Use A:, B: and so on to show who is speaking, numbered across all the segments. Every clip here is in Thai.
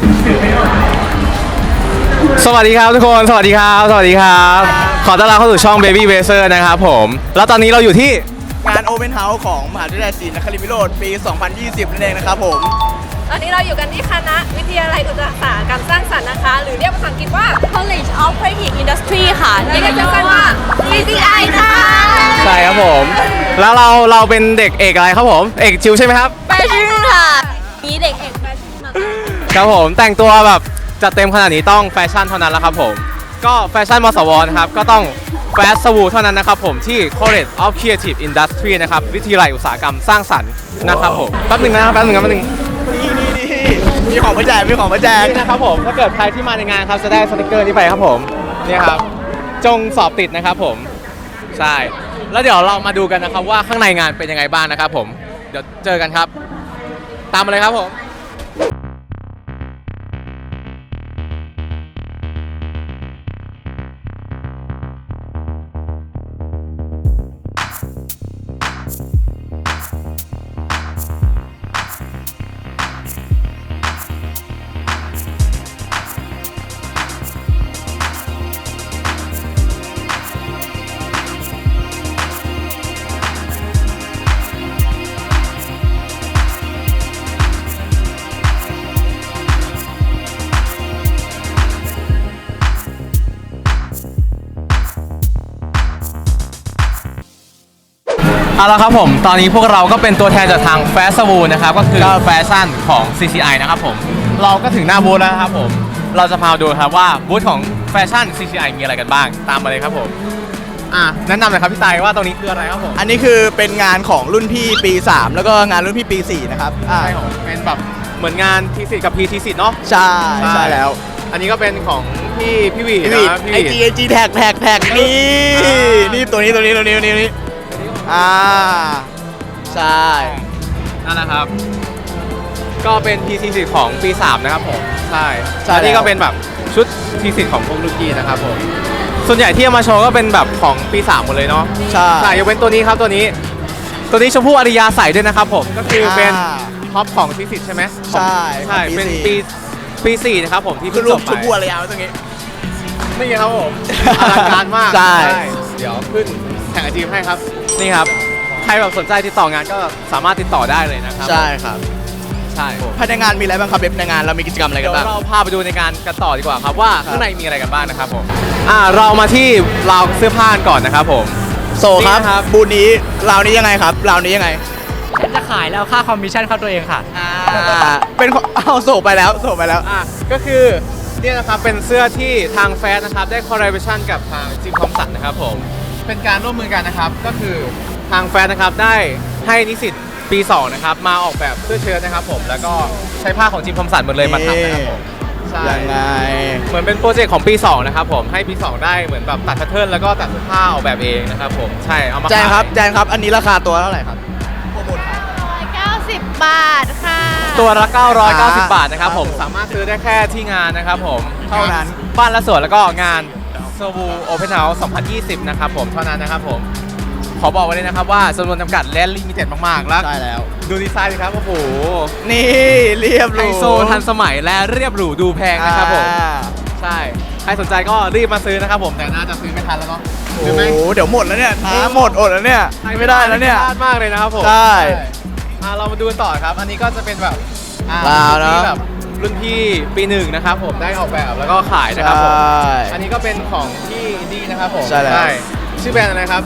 A: สวัสดีครับทุกคนสวัสดีครับสวัสดีครับขอต้อนรับเข้าสู่ช่อง Baby Racer นะครับผมแล้วตอนนี้เราอยู่ที่
B: งาน Open House ของมหาวิทยาลัยศรีนครินทร์วิโรจน์ปี 2020 นั่นเองนะครับผม
C: ตอนนี้เราอยู่กันที่คณะวิทยาลัยอุตสาหกรรมสร้างสรรค์นะคะ หรือเรียกภาษาอังกฤษว่า College of Creative Industry ค่ะเรียกกันสั้นๆว่า CCI ค่ะ
A: ใช่ครับผมแล้วเราเป็นเด็กเอกอะไรครับผมเอกจิวใช่ไหมครับ
C: แฟชั่นค่ะมีเด็กเอกแฟชั่นมา
A: ครับผมแต่งตัวแบบจัดเต็มขนาดนี้ต้องแฟชั่นเท่านั้นแล้วครับผมก็แฟชั่นมสวนะครับก็ต้องแฟชสวูเท่านั้นนะครับผมที่ College of Creative Industry นะครับวิทยาลัยอุตสาหกรรมสร้างสรรค์นะครับผมแป๊บหนึงนะครับนี่
B: มีของมาแจกมีของมาแจก
A: นะครับผมถ้าเกิดใครที่มาในงานครับจะได้สติกเกอร์นี้ไปครับผมเนี่ยครับจงสอบติดนะครับผมใช่แล้วเดี๋ยวเรามาดูกันนะครับว่าข้างในงานเป็นยังไงบ้างนะครับผมเดี๋ยวเจอกันครับตามมาเลยครับผมเอาละครับผมตอนนี้พวกเราก็เป็นตัวแทนจากทางแฟชั่นวูนะครับก็คือแฟชั่นของ CCI นะครับผมเราก็ถึงหน้าบูธแล้วครับผมเราจะพาดูครับว่าบูธของแฟชั่น CCI มีอะไรกันบ้างตามมาเลยครับผมแนะนำหน่อยครับพี่ไตว่าตรงนี้คืออะไรครับผม
B: อันนี้คือเป็นงานของรุ่นพี่ปี 3 แล้วก็งานรุ่นพี่ปี 4 นะครับ
A: ใช่ผมเป็นแบบเหมือนงานทีสิทธ์กับพีทีสิทธ์เนาะ
B: ใช่แล้ว
A: อันนี้ก็เป็นของพี่วีนะ
B: ไอจีแท็กนี่ตัวนี้ใช่
A: นั่นแหละครับก็เป็นทีสิทธ์ของปี 3 นะครับผมใช่อันนี้ก็เป็นแบบชุดทีสิทธ์ของพวกรุ่นพี่นะครับผมส่วนใหญ่ที่เอามาโชว์ก็เป็นแบบของปี 3 หมดเลยเนาะใช่ยกเว้นตัวนี้ครับตัวนี้ชมพู่อริยาใส่ด้วยนะครับผมก็คือเป็นท็อปของทีสิทธ์ใช่ไหม
B: ใช่
A: เป็นปี 4 นะครับผมที่
B: คือรูปชมพู่อริยาตรงนี้
A: นี่ครับผมอลังการมาก
B: ใช่
A: เดี๋ยวขึ้นแข่งไอจีมให้ครับนี่ครับใครแบบสนใจติดต่องานก็สามารถติดต่อได้เลยนะครับ
B: ใช่ครับ
A: ใช่
B: ภายในงานมีอะไรบ้างครับเว็บในงานเรามีกิจกรรมอะไรกันบ้าง
A: เราพาไปดูในงานกันต่อดีกว่าครับว่าข้างในมีอะไรกันบ้างนะครับผมเรามาที่ราวเสื้อผ้าก่อนนะครับผม
B: โซครับบูธนี้ราวนี้ยังไงครับราวนี้ยังไง
D: ฉันจะขายแล้วค่าคอมมิชชั่นเข้าตัวเองค่ะ
B: เป็นเอาโซไปแล้ว
A: ก็คือเนี่ยนะครับเป็นเสื้อที่ทางแฟสนะครับได้คอลลาบอร์ชั่นกับทางจิมคอมสันนะครับผมเป็นการร่วมมือกันนะครับก็คือทางแฟสนะครับได้ให้นิสิตปี 2 นะครับมาออกแบบเสื้อเชิ้ตนะครับผมแล้วก็ใช้ผ้าของจิมคอมสันหมดเลยมาทำนะครับผม
B: ยังไง
A: เหมือนเป็นโปรเจกต์ของปี 2 นะครับผมให้ปี 2 ได้เหมือนแบบตัดแพทเทิร์นแล้วก็ตัดเสื้อผ้าออกแบบเองนะครับผมใช่เอามา
B: แจนครับอันนี้ราคาตัวเท่าไหร่ครับ
C: 90 บาทค่ะ
A: ตัวละ990 บาทนะครับผมสามารถซื้อได้แค่ที่งานนะครับผม
B: เท่านั้น
A: บ้านละสวนแล้วก็งานโซบูโอเพนเฮาส์2020นะครับผมเท่านั้นนะครับผมขอบอกไว้เลยนะครับว่าจำนวนจำกัดและลิมิเต็ดมากๆแล้ว
B: ใช่แล้ว
A: ดูดีไซน์ครับโอ้โห
B: นี่เรียบหรู
A: ไฮโซทันสมัยและเรียบหรูดูแพงนะครับผมใช่ใครสนใจก็รีบมาซื้อนะครับผมแต่น่าจะซื้อไม่ทันแล้วเนาะ
B: โอ้เดี๋ยวหมดแล้วเนี่ยหมดอดแล้วเนี่ยไม่ได้แล้วเนี่ย
A: พลาดมากเลยนะครับผม
B: ใช่
A: เรามาดูกันต่อครับอันนี้ก็จะเป็นแบบ
B: ที่
A: แบบรุ่นพี่ปี 1นะครับผมได้ออกแบบแล้วก็ขายนะครับผมอันนี้ก็เป็นของที่ดีนะครับผม
B: ใช่
A: ชื่อแบรนด์อะไรครับ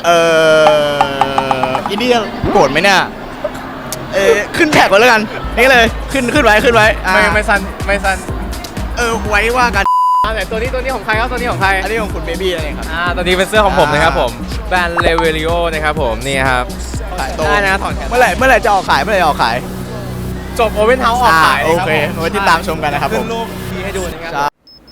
B: อินเดียโกรธไหมเนี่ยขึ้นแท็กไว้แล้วกันนี่เลยขึ้นไว้
A: ไม่สั้น
B: ไว้ว่ากัน
A: ไหนตัวนี้ของใครครับตัวนี้ของใคร
B: อันนี้ของคุณเบบี้อะไรครับ
A: ตัวนี้เป็นเสื้อของผมนะครับผมแบรนด์เลเวลิโอนะครับผมนี่ครับ
B: ได้นะถอนเมื่อไหร่จะออกขาย
A: จบโอเว่นเฮาส์ออกขาย
B: โอเคไว้ติดตามชมกันนะครับผม
A: รูปนี้ให้ดูนะครับ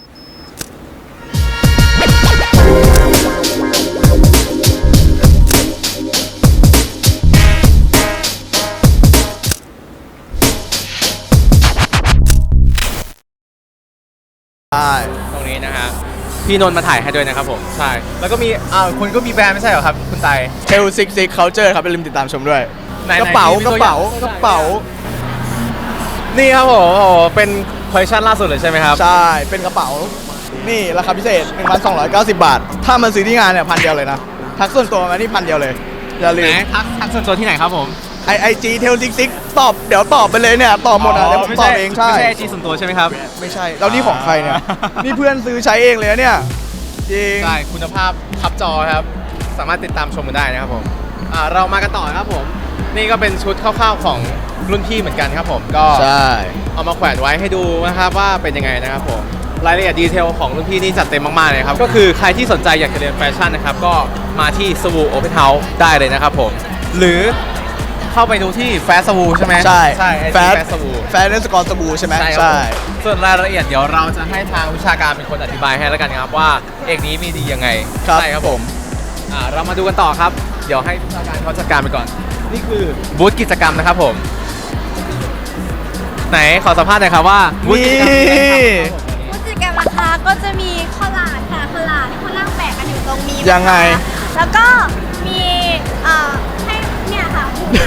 A: ตรงนี้นะฮะพี่นนท์มาถ่ายให้ด้วยนะครับผมใช่แล้วก็มีคุณก็มีแบรนด์ไม่ใช่เหรอครับคุณไต
B: เทล66 Culture ครับอย่าลืมติดตามชมด้วยกระเป๋า
A: นี่ครับผมโอ้โหเป็นคอลเลคชันล่าสุดเลยใช่ไหมครับ
B: ใช่ เป็นกระเป๋า นี่ราคาพิเศษ 1,290 บาท ถ้ามันซื้อที่งานเนี่ย1,000 เดียวเลยนะ ทักส่วนตัวมาที่1,000 เดียวเลย อย่าลื
A: ไหน
B: ม
A: ทักส่วนตัวที่ไหนครับผม
B: IG เทลซิกตอบ เดี๋ยวตอบไปเลยเนี่ย ตอบหมดอ่ะ เดี๋ยวผมตอบเองใช่
A: ไม่ใช่ไอจีส่วนตัวใช่ไหมครับ
B: ไม่ใช่ แล้วนี่ของใครเนี่ย นี่เพื่อนซื้อใช้เองเลยนะเนี่ย จริง
A: ใช่ คุณภาพคับจอครับ สามารถติดตามชมกันได้นะครับผมเรามากันต่อครับผม นี่ก็เป็นชุดคร่าวๆของรุ่นพี่เหมือนกันครับผม ก็
B: ใช่
A: เอามาแขวนไว้ให้ดูนะครับว่าเป็นยังไงนะครับผม รายละเอียดดีเทลของรุ่นพี่นี่จัดเต็มมากๆเลยครับ ก็คือใครที่สนใจอยากจะเรียนแฟชั่นนะครับ ก็มาที่สวูโอเพนเฮาส์ได้เลยนะครับผม หรือเข้าไปดูที่แฟสวูใช่ไหม
B: ใช่
A: ใช่
B: แฟ
A: แฟสวู
B: แฟนเนสกอร์สบู่ใช่ไหม
A: ใช่ครับผมส่วนรายละเอียดเดี๋ยวเราจะให้ทางวิชาการเป็นคนอธิบายให้แล้วกันครับว่าเอกนี้มีดียังไง
B: ครับ
A: ใช่ครับผมเรามาดูกันต่อครับ เดี๋ยวให้วิชาการเขาจัดการไปก่อน นี่คือบูธกิจกรรมนะครับผม ไหนขอสัมภาษณ์หน่อยครับว่าบูธกิจกรรมมีอะไรครับ
C: ผู้จัดการราคาก็จะมีข้าวหลามค่ะข้าวหลามที่เขานั่งแปะกันอยู่ตรงนี้นะคะ
B: ยังไง
C: แล้วก็มีให้เนี่ยค่ะ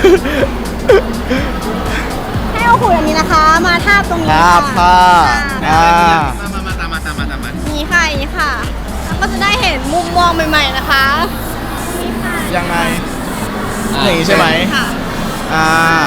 C: ให้เอาหุ่นอันนี้นะคะ มาทาบตรงนี้
B: ทา
C: ค่ะ
B: บผ้า
C: อ่า
A: มาตามมา
C: นี่ค่ะอย่างนี้ค่ะแล้วก็จะได้เห็นมุมมองใหม่ๆนะคะนี่ค่ะ
B: ยังไง อย่างนี้ใช่ไหม
C: ค่ะ
B: อ่า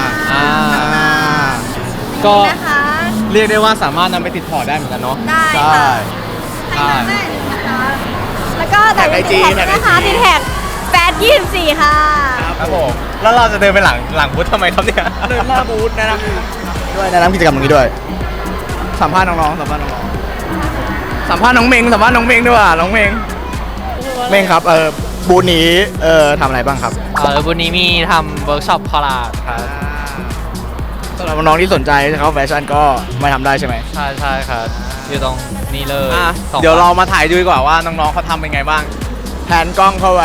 A: ก็
C: นี่นะคะ
A: เรียกได้ว่าสามารถนำไปติดพอร์ตได้เหมือนกันเนาะ
C: ได้
B: ใช่
C: ค่ะ
A: ใช่
C: ใช่นะคะแล้วก็แต่
B: แท็ก IG
C: ติดแท็กนะคะติดแท็กแฟด24 ค่ะ
A: ครับผมแล้วเราจะเดินไปหลังบูธทำไมครับเนี่ย
B: เดินหน้าบูธนะด้วยแนะนำกิจกรรมตรงนี้ด้วย สัมภาษณ์น้องๆ สัมภาษณ์น้องๆ สัมภาษณ์น้องเมงสัมภาษณ์น้องเมงด้วยว่ะน้องเมงเมงครับบูธนี้ทำอะไรบ้างครับ
D: วันนี้มีทำเวิร์กช็อปคอลลาจครับ
B: สำหรับน้องๆที่สนใจจะเข้าแฟชั่นก็มาทำได้ใช่ไหม
D: ใช่ใช่ครับอยู่ตรงนี้เลย สอง
A: เดี๋ยวเรามาถ่ายดูดีกว่าว่าน้องๆเขาทำเป็นไงบ้าง
B: แผนกล้องเข้าไว้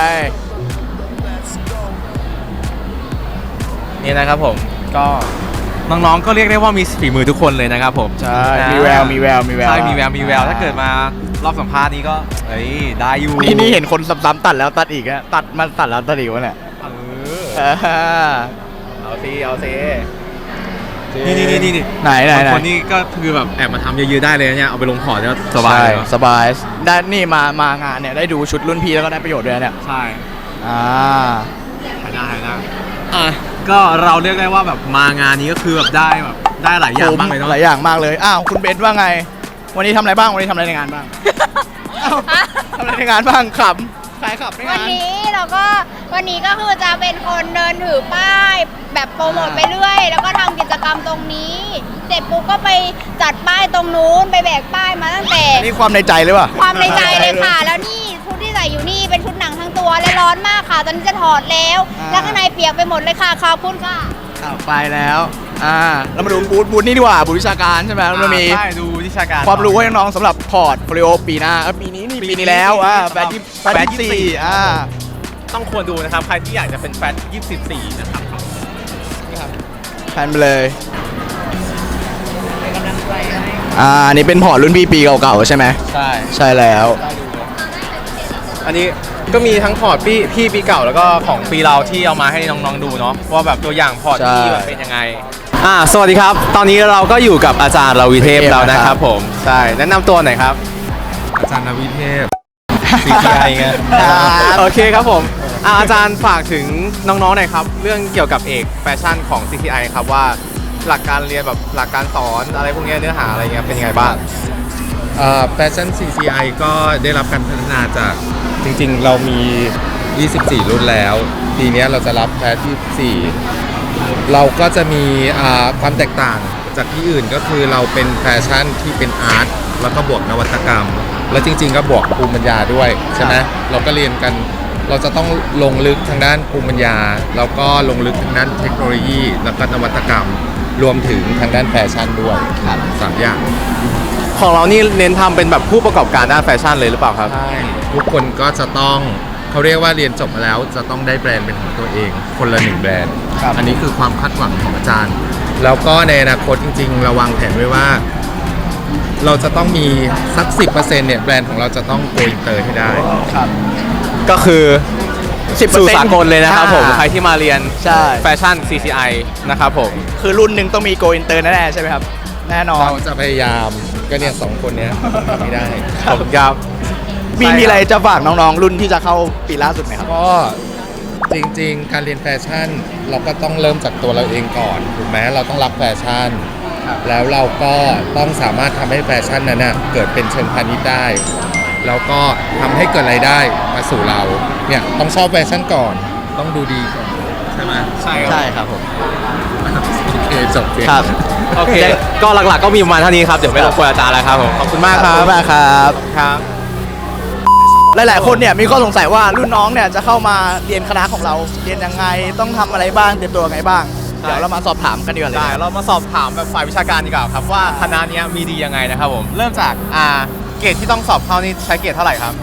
A: นี่นะครับผมก็น้องๆก็เรียกได้ว่ามีฝีมือทุกคนเลยนะครับผม
B: ใช่
A: นะ
B: มีแวว มีแวว มีแวว
A: ใช่มีแววถ้าเกิดมารอบสัมภาษณ์นี้ก็เอ้ยได้อยู่
B: นี่เห็นคนซ้ำๆตัดแล้วตัดอีกอะตัดมาตัดแล้วตัดอีกวะเนี่ย
A: เออเอาสินี่
B: ไหน
A: บางคนนี่ก็คือแบบแอบมาทำเยอะๆได้เลยนะเนี่ยเอาไปลงพอร์ตแล้วสบาย
B: ใช่
A: เลยเนอะ
B: สบายได้นี่มางานเนี่ยได้ดูชุดรุ่นพี่แล้วก็ได้ประโยชน์ด้วยเนี่ย
A: ใช่
B: อ่า
A: ถ่ายได้ก็เราเรียกได้ว่าแบบมางานนี้ก็คือแบบได้หลายอย่างมากเลยเนาะ
B: หลายอย่างมากเลยอ้าวคุณเบนซ์ว่าไง วันนี้ทำอะไรบ้างวันนี้ทำอะไรในงานบ้างอ้าวทำอะไรในงานบ้างขำขายขับใน
E: วัน
B: งาน
E: นี้ก็คือจะเป็นคนเดินถือป้ายแบบโปรโมทไปเรื่อย แล้วก็ทำกิจกรรมตรงนี้ เสร็จปุ๊บก็ไปจัดป้ายตรงนู้นไปแบกป้ายมาตั้งแต่
B: นี่ความในใจเลยว่ะ
E: ความในใจเลยค่ะ แล้วนี่ชุดที่ใส่อยู่นี่เป็นชุดหนังทั้งตัวและร้อนมากค่ะตอนนี้จะถอดแล้ว แล้วข้างในเปียกไปหมดเลยค่ะขอบคุณค่ะ
B: ไปแล้วเรามาดูบูธนี่ดีกว่าบูธวิชาการใช่ไหมเรามี
A: ใช่ดูวิชาการ
B: ความรู้ให้น้องๆสำหรับพอร์ตโฟลิโอปีหน้าปีนี้นี่ปีนี้แล้วแฟน24
A: ต้องควรดูนะครับใครที่อยากจะเป็นแฟน24นะครับ
B: แพนไปเลยอันนี้เป็นพอร์ตรุ่นพี่ปีเก่าๆใช่ไหม
A: ใช่
B: ใช่แล้ว
A: อันนี้ก็มีทั้งพอร์ตพี่ปีเก่าแล้วก็ของปีเราที่เอามาให้น้องๆดูเนาะว่าแบบตัวอย่างพอร์ตที่แบบเป็นยังไงสวัสดีครับ ตอนนี้เราก็อยู่กับอาจารย์รวิเทพแล้วนะครับผมใช่แนะนำตัวหน่อยครับอาจารย์รวิเทพ CCI ไงโอเคครับผมอาจารย์ฝากถึงน้องๆหน่อยครับเรื่องเกี่ยวกับเอกแฟชั่นของ CCI ครับว่าหลักการเรียนแบบหลักการสอนอะไรพวกนี้เนื้อหาอะไรเงี้ยเป็นยังไงบ้าง
F: แฟชั่น CCI ก็ได้รับการพัฒนาจากจริงๆ เรามี 24 รุ่นแล้ว ปีนี้เราจะรับแฟชั่น24 เราก็จะมีความแตกต่างจากที่อื่นก็คือเราเป็นแฟชั่นที่เป็นอาร์ตแล้วก็บวกนวัตกรรม แล้วจริงๆ ก็บวกภูมิปัญญาด้วยใช่ไหมเราก็เรียนกันเราจะต้องลงลึกทางด้านภูมิปัญญาแล้วก็ลงลึกทางด้านเทคโนโลยีแล้วก็นวัตกรรม รวมถึงทางด้านแฟชั่นด้วยสามอย่าง
A: ของเรานี่เน้นทำเป็นแบบผู้ประกอบการด้านแฟชั่นเลยหรือเปล่าครับ
F: ใช่ทุกคนก็จะต้องเขาเรียกว่าเรียนจบมาแล้วจะต้องได้แบรนด์เป็นของตัวเองคนละ1แบรนด์
B: ครับ
F: อันนี้คือความคาดหวังของอาจารย์ แล้วก็ในอนาคตจริงๆเราวางแผนไว้ว่า เราจะต้องมีสัก 10%เนี่ยแบรนด์ของเราจะต้องโกอินเตอร์ให้ได้
B: ครับ
A: ก็คือ
B: 10%
A: สู่สากลเลยนะครับผม
B: อ่า
A: ใครที่มาเรียน
B: ใช่
A: แฟชั่น CCI นะครับผม
B: คือรุ่นหนึ่งต้องมีโกอินเตอร์แน่ๆใช่ไหมครับ แน่นอน
F: เราจะพยายามก็เนี่ยสองคนเนี้ยไม่ได้
A: ขอบคุณครับ
B: มีอะไรจะฝากน้องๆ รุ่นที่จะเข้าปีล่าสุดไหมครับ
F: ก็จริงๆ การเรียนแฟชั่นเราก็ต้องเริ่มจากตัวเราเองก่อนถูกไหมเราต้องรักแฟชั่น แล้วเราก็ต้องสามารถทำให้แฟชั่นนั้นน่ะเกิดเป็นเชิงพาณิชย์ได้ แล้วก็ทำให้เกิดรายได้มาสู่เราเนี่ยต้องชอบแฟชั่นก่อนต้องดูดีก่อนใช่ไหม
A: ใช่
B: ใช่ครับผม
F: โอเคจบเกม
B: ครับ
A: โอเค ก็หลักๆก็มีประมาณเท่านี้ครับ เดี๋ยวไม่รบกวนอาจารย์แล้วครับผม ขอบคุณมากค
B: ข
A: รั
B: อบบ คุณมากครับ
A: ครับ
B: หลายๆ คนเนี่ยมีข้อสงสัยว่ารุ่นน้องเนี่ยจะเข้ามาเรียนคณะของเราเรียนยังไงต้องทำอะไรบ้างเตรียมตัวยังไงบ้าง
A: ใช่
B: เดี๋ยวเรามาสอบถามกันดีกว่าเลย
A: ได้เรามาสอบถามแบบฝ่ายวิชาการดีกว่าครับว่าคณะเนี้ยมีดียังไงนะครับผม เริ่มจากเกรดที่ต้องสอบเข้านี่ใช้เกรดเท่าไหร่ครับ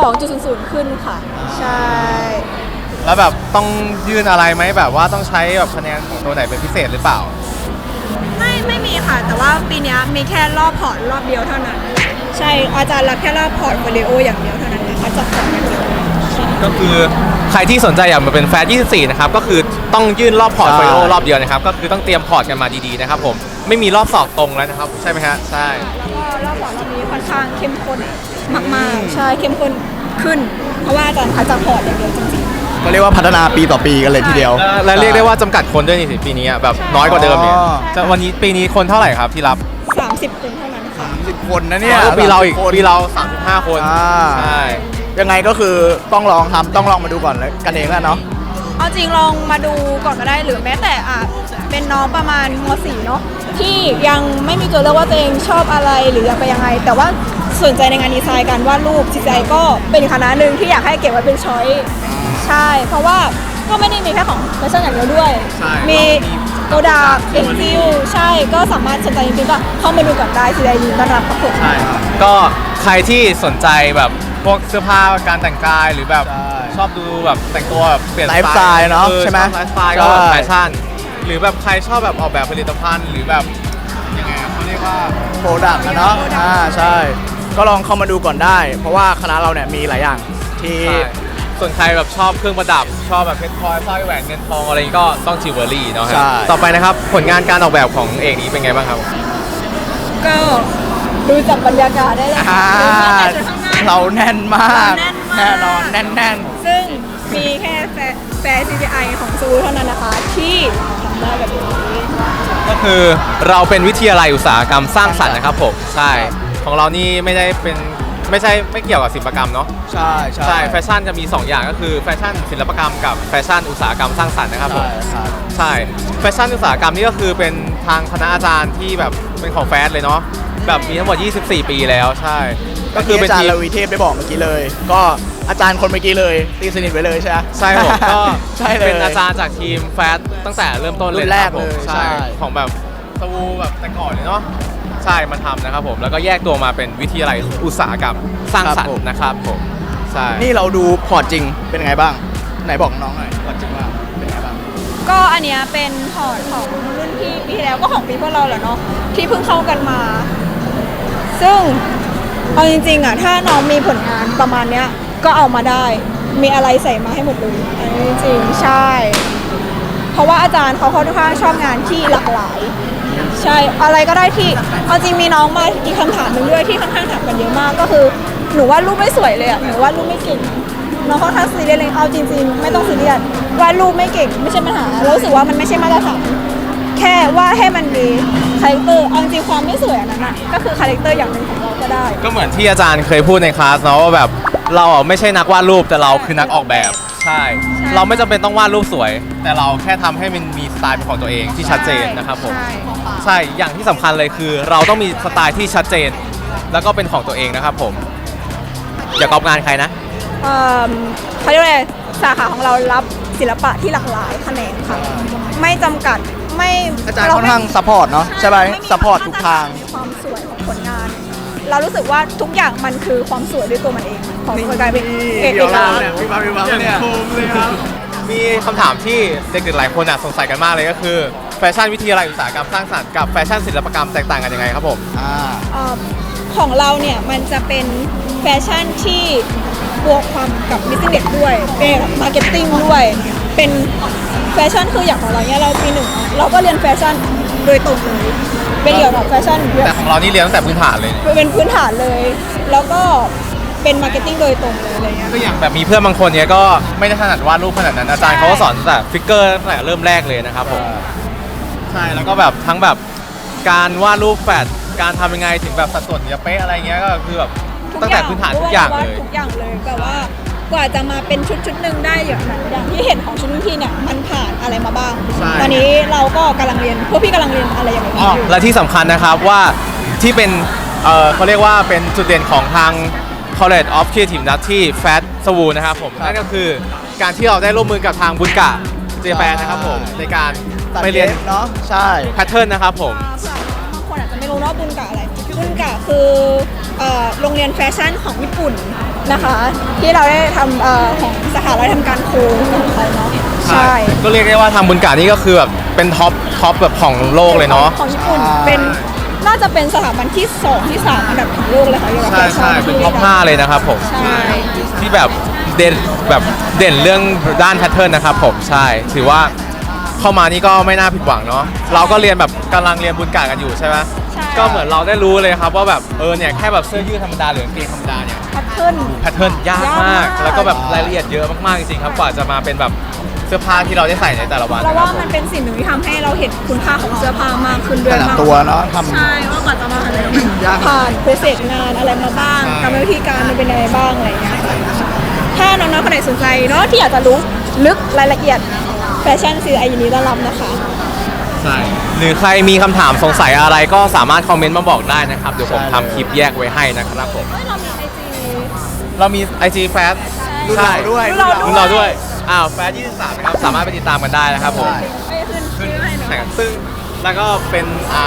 C: 2.00 ขึ้นค่ะ ใช่
A: แล้วแบบต้องยื่นอะไรไหมแบบว่าต้องใช้แบบคะแนนของตัวไหนเป็นพิเศษหรือเปล่า
C: ไม่มีค่ะ แต่ว่าปีเนี้ยมีแค่รอบพอร์ตรอบเดียวเท่านั้น ใช่อาจารย์รับแค่รอบพอร์ตโฟลิโออย่างเดียวเท่านั้นเลยค่ะจัดพอร์ตอย่างเดียวใช่
A: ก็คือใครที่สนใจอยากมาเป็นแฟน24 นะครับ ก็คือต้องยื่นรอบพอร์ตโฟลิโอรอบเดียวนะครับ ก็คือต้องเตรียมพอร์ตกันมาดีๆนะครับผม ไม่มีรอบสอบตรงแล้วนะครับ ใช่ไหมฮะ ใช่
C: ก็รอบพอร์ตรอบนี้ค่อนข้างเข้มข้นมากๆ ใช่เข้มข้นขึ้น เพราะว่าอาจารย์คัดจากพอร์ตอย่างเดียวจริง
B: ก็เรียกว่าพัฒนาปีต่อปีกันเลยทีเดียว
A: และเรียกได้ว่าจำกัดคนด้วยนี่สิปีนี้อะแบบน้อยกว่าเดิมเนี่ย
B: อ๋อ
A: จะวันนี้ปีนี้คนเท่าไหร่ครับที่รับ
C: ๆ 30 คนเท่านั้นค่ะ
B: 30 คนนะเนี่ย
A: ปีเราอีก
B: 30คน
A: ปีเรา 35 คน
B: อ่า
A: ใช่
B: ยังไงก็คือต้องลองทำต้องลองมาดูก่อนแล้วกันเองแหละเนาะ
C: เอาจริงลองมาดูก่อนก็ได้หรือแม้แต่เป็นน้องประมาณม .4 เนาะที่ยังไม่มีตัวเลือกว่าตัวเองชอบอะไรหรืออยากไปยังไง แต่ว่าสนใจในงานดีไซน์การวาดรูปจิตใจก็เป็นคณะหนึ่งที่อยากให้เก็บไว้เป็นช้อยส์ใช่ เพราะว่าก็ไม่ได้มีแค่ของแฟชั่นอย่างเดียวด้วย
A: ใช่
C: มีโปรดักต์เอ็กซิลใช่ก็สามารถสนใจจริงๆก็เข้ามาดูก่อนได้จิตใจยินต้อนรับครับผม
A: ใช่ก็ใครที่สนใจแบบพวกเสื้อผ้าการแต่งกายหรือแบบ
B: ใช่
A: ชอบดูแบบแต่งตัวแบบเปลี่ยน
B: ไลฟ์สไตล์เนอะ
A: ออ
B: ใช่ไหม
A: ชอบไลฟ์สไตล์ก็แบบ
B: ใช่
A: แฟชั่น หรือแบบใครชอบแบบออกแบบผลิตภัณฑ์หรือแบบยังไงอะเขาเรียกว่า
B: โปรดักต์นะเนาะใช่ ก็ลองเข้ามาดูก่อนได้ เพราะว่าคณะเราเนี่ยมีหลายอย่างที่
A: ใช่ส่วนใครแบบชอบเครื่องประดับ ชอบแบบเพชรพลอยสร้อยแหวนเงินทองอะไรอย่างงี้ก็ต้องจิวเวลรี่เนาะฮะ
B: ใช่
A: ต่อไปนะครับผลงานการออกแบบของเอกนี้เป็นไงบ้างครับ
C: ก็ดูจากบรรยากาศได้เลย
B: อ่า
C: ค่ะดูจากข้างหน้า
B: เราแน่นมาก
C: แน่นมาก
B: แน่นอนแน่น
C: ซึ่งมีแค่แฟร์ CCI ของซูเท่านั้นนะคะ ที่ทำได้แบบนี้
A: ก็คือเราเป็นวิทยาลัยอุตสาหกรรมสร้างสรรค์นะครับผมใช่ของเรานี่ไม่เกี่ยวกับศิลปกรรมเนาะ
B: ๆใช่ใช่
A: ใช่แฟชั่นจะมี 2 อย่างก็คือแฟชั่นศิลปกรรมกับแฟชั่นอุตสาหกรรมสร้างสรรค์นะครับผม
B: ใช่ครับ
A: ใช่แฟชั่นอุตสาหกรรมนี่ก็คือเป็นทางคณะอาจารย์ที่แบบเป็นของแฟชเลยเนาะแบบมีทั้งหมด 24 ปีแล้วใช่ ก็คือเป็น
B: อาจาร
A: ที
B: ย์
A: ม
B: ลวีเทพได้บอกเมื่อกี้เลย ก็อาจารย์คนเมื่อกี้เลยตีสนิทไว้เลยใช่ไหม
A: ใช่ผมก็
B: ใช่เลย
A: เป็นอาจารย์จากทีมแฟชตั้งแต่เริ่มต้นเลย
B: รุ่นแรก
A: คบผม
B: เลย
A: ใช่
B: ใช่
A: ของแบบสวูแบบแต่ก่อนเลยเนาะใช่มาทำนะครับผมแล้วก็แยกตัวมาเป็นวิทยาลัยอุตสาหกรรมสร้างสรรค์นะครับผมใช่
B: นี่เราดูพอร์ตจริงเป็นไงบ้าง ไหนบอกน้องหน่อยพอร์ตจริงว่าเป็นไงบ้าง
C: ก็อันเนี้ยเป็นพอร์ตของรุ่นพี่ปีที่แล้วก็ของปีพวกเราแหละเนาะที่เพิ่งเข้ากันมา ซึ่งเอาจริงๆอ่ะถ้าน้องมีผลงานประมาณเนี้ยก็เอามาได้ มีอะไรใส่มาให้หมดเลยอันนี้จริงๆใช่ เพราะว่าอาจารย์เขาค่อนข้างชอบงานที่หลากหลาย ใช่อะไรก็ได้ที่เอาจริงมีน้องมาอีกคำถามหนึ่งด้วยที่ค่อนข้างถามกันเยอะมากก็คือหนูวาดรูปไม่สวยเลยอ่ะหนูวาดรูปไม่เก่งน้องค่อนข้างซีเรียสเลยเอาจริงๆไม่ต้องซีเรียสวาดรูปไม่เก่งไม่ใช่ปัญหาเรารู้สึกว่ามันไม่ใช่มาตรฐานแค่ว่าให้มันมีคาแรคเตอร์เอาจริงความไม่สวยอันนั้นอ่ะก็คือคาแรคเตอร์อย่างหนึ่งของเราก็ได้
A: ก็เหมือนที่อาจารย์เคยพูดในคลาสเนาะว่าแบบเราอ่ะไม่ใช่นักวาดรูปแต่เราคือนักออกแบบใช่ เราไม่จำเป็นต้องวาดรูปสวย แต่เราแค่ทำให้มันมีสไตล์เป็นของตัวเองที่ชัดเจนนะครับผม
C: ใช่
A: ใช่อย่างที่สำคัญเลยคือ เราต้องมีสไตล์ที่ชัดเจน แล้วก็เป็นของตัวเองนะครับผมอย่าก๊อปงานใครนะ
C: เขาเรียกว่าอะไรสาขาของเรารับศิลปะที่หลากหลายแขนงค่ะไม่จำกัดไม่
B: อาจารย์ค่อนข้างซัพพอร์ตเนาะใช่ไหมซัพพอร์ตทุกทาง
C: ในความสวยของผลงาน เรารู้สึกว่าทุกอย่างมันคือความสวยด้วยตัวมันเองของมันกลายเป็นเอกลักษณ์
B: เนี่ย
A: มีคำถามที่เด็กๆหลายคนสงสัยกันมากเลยก็คือแฟชั่นวิทยาลัยอุตสาหกรรมสร้างสรรค์กับแฟชั่นศิลปกรรมแตกต่างกันยังไงครับผม
C: ของเราเนี่ยมันจะเป็นแฟชั่นที่บวกความกับบิสเนสด้วยเป็นมาร์เก็ตติ้งด้วยเป็นแฟชั่นคืออย่างของเราเนี่ยเราปี 1เราก็เรียนแฟชั่นโดยตรงเลยเป็นเกี่ยวกับแฟชั่น
A: แต่ของเรานี่เรียนตั้งแต่พื้นฐานเลย
C: เป็นพื้นฐานเลย แล้วก็เป็นมาร์เก็ตติ้งโดยตรงเลยอะไรเงี้ย
A: ก็อย่างแบบมีเพื่อนบางคนเนี่ยก็ไม่ได้ถนัดวาดรูปขนาดนั้นอาจารย์
C: ใช่
A: เขาก็สอนตั้งแต่ฟิกเกอร์ตั้งแต่เริ่มแรกเลยนะครับผมใช่แล้วก็แบบทั้งแบบการวาดรูปแฟดการทำยังไงถึงแบบสัดส่วนจะเป๊ะอะไรเงี้ยก็คือแบบตั้งแต่พื้นฐานทุกอย่างเลย
C: ทุกอย่างเลยแต่ว่ากว่าจะมาเป็นชุดหนึ่งได้อย่างที่เห็นของชุดพี่เนี่ยมันผ่านอะไรมาบ้าง
A: ใช่
C: ตอนนี้เราก็กำลังเรียนพวกพี่กำลังเรียนอะไรอย่างเงี้ย
A: อ๋อ
C: อยู่
A: และที่สำคัญนะครับว่าที่เป็นเขาเรียกว่าเป็นจุดเด่นของทาง College of Creative Art ที่ Fat s w o นะครับผมนั่นก็คือการที่เราได้ร่วมมือกับทางบุญกะเจแปนนะครับผมในการ
B: ตัด
A: ไปเรียน
B: เย็บเนาะใช่
A: แพทเทิร์นนะครับผม
C: บางคนอาจจะไม่รู้ว่าบุญกะอะไรบุญกะคือโรงเรียนแฟชั่นของญี่ปุ่นนะคะ ที่เราได้ทำของสาขาเราได้ทำการโคของเขาเนาะใช่
A: ก็เรียกได้ว่าทางบุญกะนี่ก็คือแบบเป็นท็อปแบบของโลกเลยเนาะ
C: ของญี่ปุ่นเป็นน่าจะเป็นสถาบันที่ 2 ที่ 3 อันดับของโลกเลยค่ะเกี่ยวกับ
A: ใช่
C: แฟชั่
A: ใช่
C: น
A: เป็นท็อป5เลยนะครับผม
C: ใช่
A: ที่แบบเด่นเรื่องด้านแพทเทิร์นนะครับผมใช่ถือว่าเข้ามานี่ก็ไม่น่าผิดหวังเนาะเราก็เรียนแบบกำลังเรียนบุญกะกันอยู่ใช่ไหม
C: ใช่
A: ก็เหมือนเราได้รู้เลยครับว่าแบบเนี่ยแค่แบบเสื้อยืดธรรมดาหรือกางเกงธรรมดาเนี่ย
C: แพทเทิร์น
A: แพทเทิร์นยากมาก
C: ยากมาก
A: แล้วก็แบบรายละเอียดเยอะมากๆจริงๆครับกว่าจะมาเป็นแบบเสื้อผ้าที่เราได้ใส่ในแต่ละวัน
C: เรา
A: นะครั
C: ว่า
A: บผม
C: มันเป็นสิ่งหนึ่งที่ทำให้เราเห็นคุณค่าของเสื้อผ้ามากขึ้นด้ว
B: แต่
C: ย
B: ละ
C: มาก
B: ตัวเนาะทำ
C: ใช่ว่ากว่าจะมาอะไรมัน
B: ยาก
C: ผ่านโปรเซสงานอะไรมาบ้างกรรมวิธีการมันเป็นยังไงบ้างอะไรอย่างเงี้ยค่ะถ้าน้องๆคนไหนสนใจเนาะที่อยากจะรู้ลึกรายละเอียดแฟชั่นซีไอยินดีต้อนรับนะคะ
A: ใช่หรือใครมีคำถามสงสัยอะไรก็สามารถคอมเมนต์มาบอกได้นะครับเดี๋ยวผมทำคลิปแยกไว้ให้นะครับผม
C: เรามีไอจี
A: เรามี IG แฟส
B: รุ่นเราด้วย
A: รุ่นเราด้วยแฟส23นะครับสามารถไปติดตามกันได้นะครับผม
C: ไม่ขึ้นชื่อให้เนาะ
A: ซึ่งแล้วก็เป็น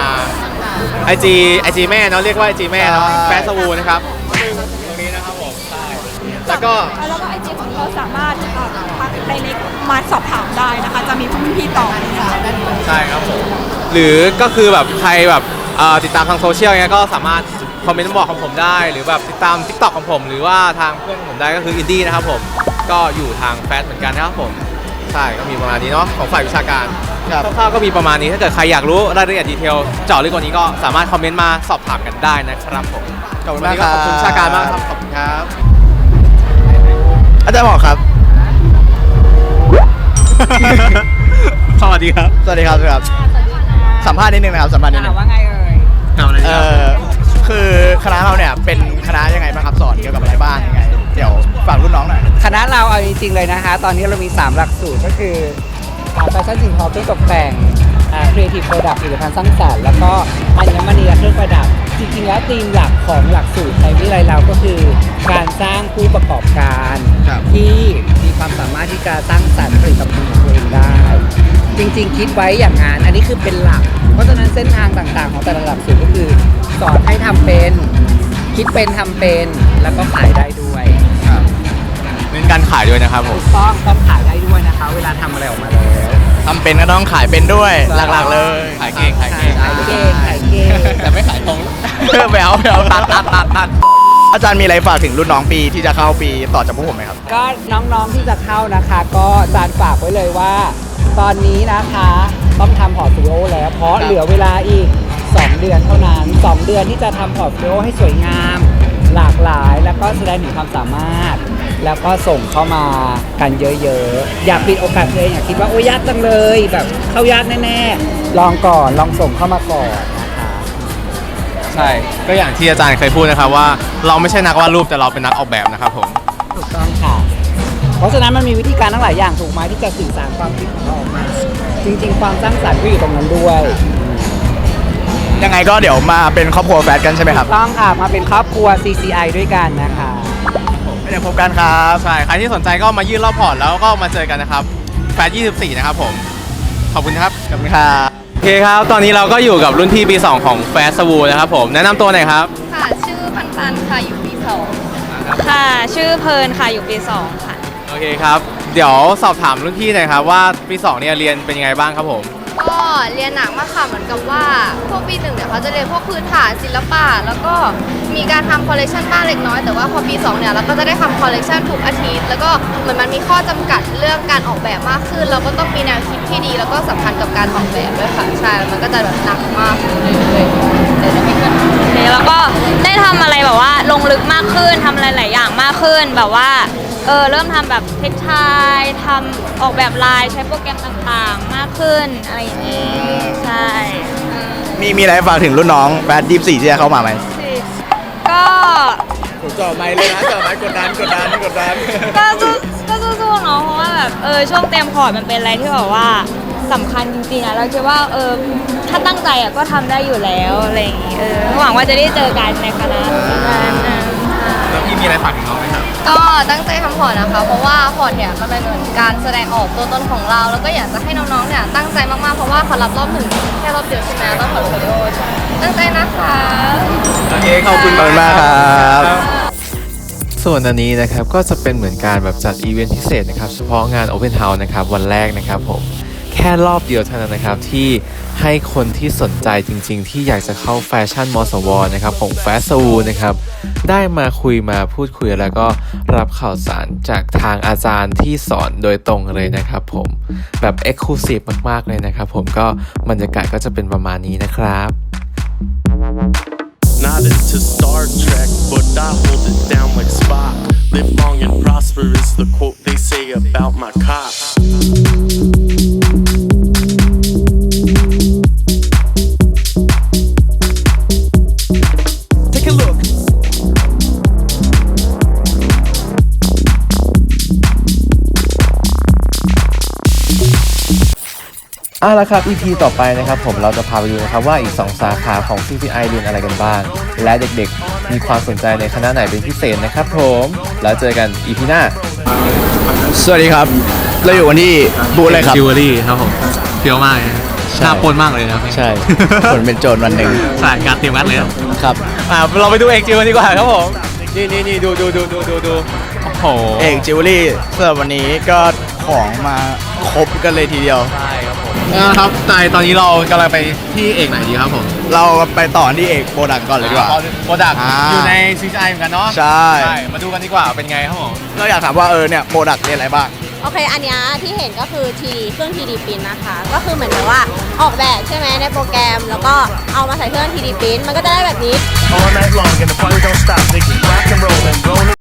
A: IG แม่เนาะเรียกว่า IG แม่เนาะ
B: ใช่
A: แฟสวูนะครับซึ่งตรงนี้นะครับผมใช่แล้วก็
C: แล้วก็ไอจีของเราสามารถทักในเล็กมาสอบถามได้นะคะ จะมีพี่ๆตอบนะคะ
A: ใช่ครับผมหรือก็คือแบบใครแบบติดตามทางโซเชียลเงี้ยก็สามารถคอมเมนต์มาบอกของผมได้ หรือแบบติดตาม TikTok ของผม หรือว่าทางเพื่อนของผมได้ก็คืออินดี้นะครับผมก็อยู่ทางแฟสเหมือนกันนะครับผมใช่ก็มีประมาณนี้เนาะของฝ่ายวิชาการ
B: ครับ
A: คร่าวๆก็มีประมาณนี้ถ้าเกิดใครอยากรู้รายละเอียดดีเทลเจาะลึกกว่านี้ก็สามารถคอมเมนต์มาสอบถามกันได้นะครับผม
B: ขอบคุณ
A: วัน
B: มาก
A: นี้
B: ค
A: ก็
B: รับ
A: ขอบคุณวิชาการมากครับขอบคุณครับ
B: อาจารย์หมอครับ
A: สวัสดีครับ
B: สวัสดีครับสวัสดีครับ สัมภาษณ์นิดนึงนะครับสัมภาษณ์นิดนึง
C: ว่าไงเอ่ย
A: เอาอะไร
B: คือคณะเราเนี่ยเป็นคณะยังไงบ้างครับสอนเกี่ยวกับอะไรบ้างยังไง เดี๋ยวฝากรุ่นน้องหน่อย
G: คณะเราเอาจริงๆเลยนะคะ ตอนนี้เรามี 3 หลักสูตรก็คือแฟชั่นสิ่งทอเครื่องตกแต่งครีเอทีฟโปรดักต์ผลิตภัณฑ์สร้างสรรค์แล้วก็อัญมณีและเครื่องประดับ จริงๆแล้วธีมหลักของหลักสูตรในวิทยาลัยเราก็คือ การสร้างผู้ประกอบการ
B: ครับ
G: ที่มีความสามารถที่จะสร้างสรรค์ผลิตภัณฑ์ของตัวเองได้ จริงๆ คิดไว้อย่างงานอันนี้คือเป็นหลัก เพราะฉะนั้นเส้นทางต่างๆ ของแต่ละหลักสูตรก็คือสอนให้ทำเป็น คิดเป็นทำเป็นแล้วก็ขายได้ด้วย
A: เน้นการขายด้วยนะครับผม
G: ต้องขายได้ด้วยนะคะ เวลาทำอะไรออกมาแล้ว
B: ทำเป็นก็ต้องขายเป็นด้วยหลักๆเลย
A: ขายเก่งขายเก่ง
G: ขายเก่งขายเก่ง
A: แต่ไม่ขายตรง
B: แบวตัดอาจารย์มีอะไรฝากถึงรุ่นน้องปีที่จะเข้าปีต่อจากพวกผมไหมครับ
G: ก็น้องๆที่จะเข้านะคะ ก็อาจารย์ฝากไว้เลยว่า ตอนนี้นะคะต้องทำพอร์ตโฟลิโอแล้ว เพราะ
B: ครับ
G: เหลือเวลาอีก 2 เดือนเท่านั้น 2 เดือนที่จะทำพอร์ตโฟลิโอให้สวยงาม หลากหลาย แล้วก็แสดงถึงความสามารถ แล้วก็ส่งเข้ามากันเยอะๆ อย่าปิดโอกาสเลยอย่าคิดว่าโอ้ยยากจังเลยแบบเข้ายากแน่ๆ ลองก่อนลองส่งเข้ามาก่อนนะคะ
A: ใช่ก็อย่างที่อาจารย์เคยพูดนะครับว่าเราไม่ใช่นักวาดรูปแต่เราเป็นนักออกแบบนะครับผม
G: ถูกต้องค่ะ เพราะฉะนั้นมันมีวิธีการทั้งหลายอย่างถูกไหมที่จะสื่อสารความคิดของเราออกมา จริง ๆ ความสร้างสรรค์ก็อยู่ตรงนั้นด้วย
B: ยังไงก็เดี๋ยวมาเป็นครอบครัวแฟดกันใช่ไหมครับ
G: ต้องค่ะมาเป็นครอบครัว CCI ด้วยกันนะคะ
B: เดี๋ยวพบกันครับ
A: ใช่ใครที่สนใจก็มายื่นรอบพอร์ตแล้วก็มาเจอกันนะครับแฟร์24นะครับผมขอบคุณครับ
B: ขอบคุณครับ
A: โอเคครับ ตอนนี้เราก็อยู่กับรุ่นพี่ปี 2 ของแฟร์สวูนะครับผมแนะนำตัวหน่อยครับ
E: ค่ะ ชื่อพันค่ะอยู่ปี2
H: ค่ะ ชื่อเพลิร์นค่ะ อยู่ปี 2 ค่ะ
A: โอเคครับ เดี๋ยวสอบถามรุ่นพี่หน่อยครับว่าปี 2 เนี่ยเรียนเป็นยังไงบ้างครับผม
H: ก็เรียนหนักมากค่ะเหมือนกับว่าพวกปีหนึ่งเนี่ยเขาจะเรียนพวกพื้นฐานศิลปะแล้วก็มีการทำคอลเลกชันบ้างเล็กน้อยแต่ว่าพอปี2เนี่ยเราก็จะได้ทำคอลเลกชันทุกอาทิตย์แล้วก็เหมือนมันมีข้อจำกัดเรื่องการออกแบบมากขึ้น เราก็ต้องมีแนวคิดที่ดีแล้วก็สำคัญกับการออกแบบด้วยค่ะใช่มันก็จะแบบหนักมากขึ้นเรื่อยๆเดี๋ยวจะไม่เกินแล้วก็ได้ทำอะไรแบบว่าลงลึกมากขึ้นทำอะไรหลายอย่างมากขึ้นแบบว่าเริ่มทำแบบเทคไททำออกแบบลายใช้โปรแกรมต่างๆมากขึ้นอะไรอย่างนี้ใช่
B: มีอะไรฝากถึงรุ่นน้องแบด24ที่จะเข้ามาไหม
C: ก็
B: ผมจ่อไม้เลยนะจ่อไม้กดดัน
C: ก็สู้ๆเนาะเพราะว่าแบบช่วงเต็มพอร์ตมันเป็นอะไรที่แบบว่าสำคัญจริงๆอะเราคิดว่าถ้าตั้งใจอะก็ทำได้อยู่แล้วอะไรอย่างงี้หวังว่าจะได้เจอกันในคณะนั้นนะ
A: แล้วพี่มีอะไรฝากถึงน้องไหมครับ
H: ก็ตั้งใจทำพอร์ตนะคะเพราะว่าพอร์ตเนี่ยมันเป็นเหมือนการแสดงออกตัวตนของเรา แล้วก็อยากจะให้น้องๆเนี่ยตั้งใจมากๆเพราะว่าเขารับรอบหนึ่งแค่รอบเดียวใช่ไหมรอบพอร์ตโฟลิโอตั้งใจนะคะ
A: โอเคขอบคุณ
B: ขอบคุณมากครับ
A: ส่วนอันนี้นะครับก็จะเป็นเหมือนการแบบจัดอีเวนต์พิเศษนะครับเฉพาะงาน Open House นะครับวันแรกนะครับผมแค่รอบเดียวเท่านั้นนะครับที่ให้คนที่สนใจจริงๆ ที่อยากจะเข้าแฟชั่นมสวนะครับของแฟชั่นนะครับได้มาคุยมาพูดคุยแล้วก็รับข่าวสารจากทางอาจารย์ที่สอนโดยตรงเลยนะครับผมแบบ Exclusive มากๆเลยนะครับผมก็บรรยากาศก็จะเป็นประมาณนี้นะครับ
I: Not into Star Trek, but I hold it down like Spock. Live long and prosper is the quote they say about my cock. Take a look.
A: เอาละครับ EP ต่อไปนะครับผมเราจะพาไปดูนะครับว่าอีก 2 สาขาของ CPI เรียนอะไรกันบ้าง และเด็กๆ มีความสนใจในคณะไหนเป็นพิเศษนะครับผมแล้วเจอกัน EP หน้า
B: สวัสดีครับ เราอยู่กันที่บูธอะไรครับ
D: จิวเวลรี่ครับผมเฟี้ยวมากเลยหน้าปนมากเลยนะครับ
B: ใช่ คนเป็นโจรวันหนึ่ง
D: ใช่การเตรียมงัดเลย
B: ครับ
A: เราไปดูเอกจิวกันดีกว่าครับผม นี่ดูโอ้โห
B: เอกจิวเวลรี่สำหรับวันนี้ก็ของมาครบกันเลยทีเดียว
A: ใช่ครับผมนะครับตอนนี้เรากำลังไปที่เอกไหนดีครับผม
B: เราไปต่อที่เอกโปรดักต์ก่อนเลยดีกว่า
A: โปรดักต์
B: อ่า
A: อยู่ใน CPI เหมือนกันเนาะ
B: ใช่
A: มาดูกันดีกว่าเป็นไงครับผม
B: เราอยากถามว่าเนี่ยโปรดักต์เรียนอะไรบ้าง
J: โอเค อันเนี้ยที่เห็นก็คือ TD เครื่อง TD Print นะคะ ก็คือเหมือนแบบว่าออกแบบใช่ไหมในโปรแกรม แล้วก็เอามาใส่เครื่อง TD Print มันก็จะได้แบบนี้
I: All night long and the party don't stop. They keep rock and rollin', rolling.